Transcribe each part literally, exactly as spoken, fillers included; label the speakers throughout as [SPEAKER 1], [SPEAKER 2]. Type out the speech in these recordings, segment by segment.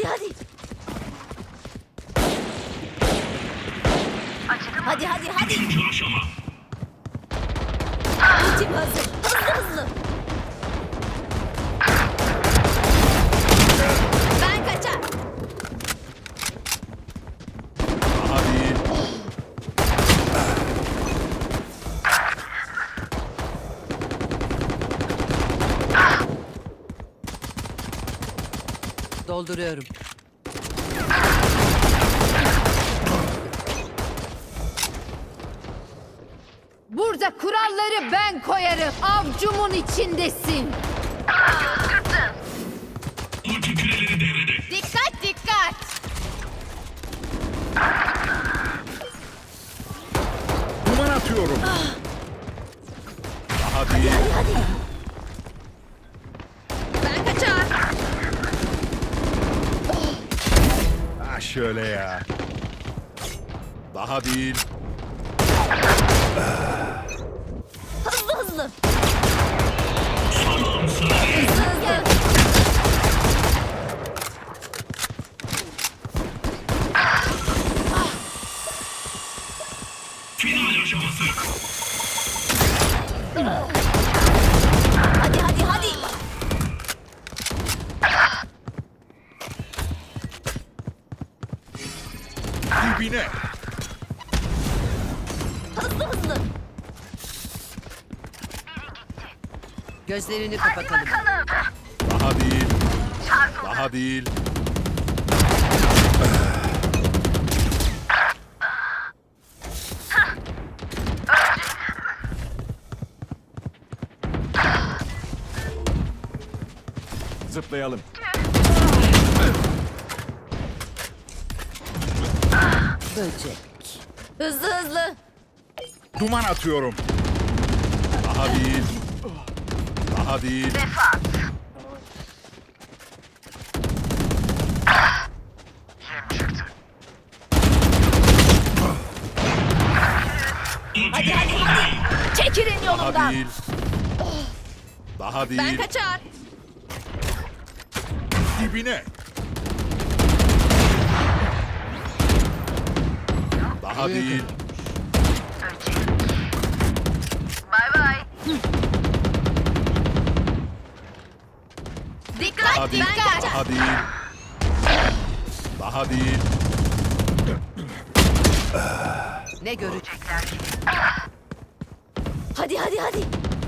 [SPEAKER 1] hadi. Hadi hadi hadi.
[SPEAKER 2] Üçüncü aşama.
[SPEAKER 1] Ultim hazır. Hızlı hızlı. Ben kaçar.
[SPEAKER 3] Hadi.
[SPEAKER 4] Dolduruyorum.
[SPEAKER 5] Burada kuralları ben koyarım. Avcumun içindesin.
[SPEAKER 2] Ulti küreleri devrede.
[SPEAKER 1] Dikkat dikkat.
[SPEAKER 3] Duman atıyorum. Hadi.
[SPEAKER 1] Hadi hadi. Ben kaçar.
[SPEAKER 3] Ha şöyle ya. Daha değil.
[SPEAKER 1] Hızlı hızlı.
[SPEAKER 2] Salam sana.
[SPEAKER 1] Hızlı hızlı.
[SPEAKER 2] Final aşaması.
[SPEAKER 1] Hadi hadi hadi.
[SPEAKER 3] Dibine.
[SPEAKER 1] Hızlı hızlı.
[SPEAKER 4] Gözlerini kapatalım.
[SPEAKER 3] Daha değil. Daha değil. Zıplayalım.
[SPEAKER 4] Böcek.
[SPEAKER 1] Hızlı hızlı.
[SPEAKER 3] Duman atıyorum. Daha değil. Daha değil.
[SPEAKER 1] Hadi hadi hadi. Çekilin
[SPEAKER 3] Daha
[SPEAKER 1] yolumdan.
[SPEAKER 3] değil. Daha
[SPEAKER 1] Ben
[SPEAKER 3] değil.
[SPEAKER 1] kaçar.
[SPEAKER 3] Dibine. Daha değil.
[SPEAKER 1] Bay bay. Dikkat
[SPEAKER 3] Daha değil.
[SPEAKER 1] dikkat.
[SPEAKER 3] Daha değil. Daha değil.
[SPEAKER 4] Ne görecekler?
[SPEAKER 1] Hadi hadi hadi.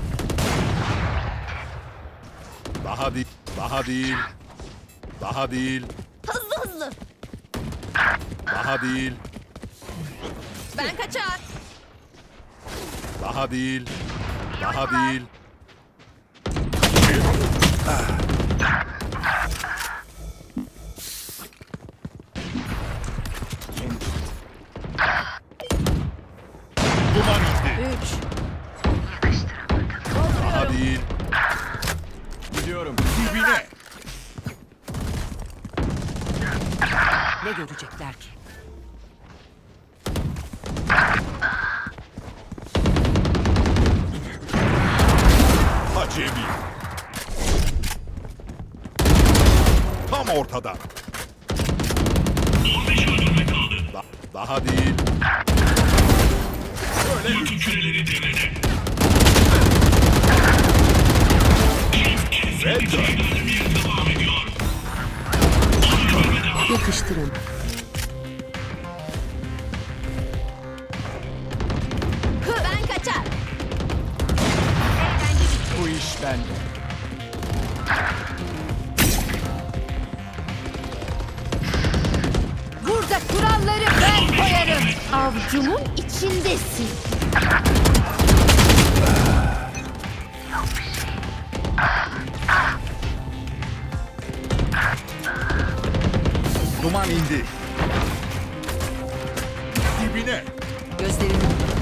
[SPEAKER 3] Daha değil. Daha değil. Daha değil.
[SPEAKER 1] Hızlı hızlı.
[SPEAKER 3] Daha değil.
[SPEAKER 1] Ben kaçar.
[SPEAKER 3] Daha değil. Daha değil. Duman indi.
[SPEAKER 4] Üç.
[SPEAKER 3] Daha değil. Gidiyorum. Dibine.
[SPEAKER 4] Ne görecekler ki?
[SPEAKER 3] Acemi. Tam ortada.
[SPEAKER 2] on beş öldürme kaldı.
[SPEAKER 3] Da- daha değil.
[SPEAKER 2] Ulti küreleri devrede.
[SPEAKER 3] Red Dot.
[SPEAKER 2] Öldürmeye devam ediyor.
[SPEAKER 4] Yakıştırın.
[SPEAKER 1] Ben kaçar.
[SPEAKER 3] Bu iş bende.
[SPEAKER 5] Burada kuralları ben koyarım. Avcumun içindesin.
[SPEAKER 3] Duman indi. Dibine.
[SPEAKER 4] Gözlerini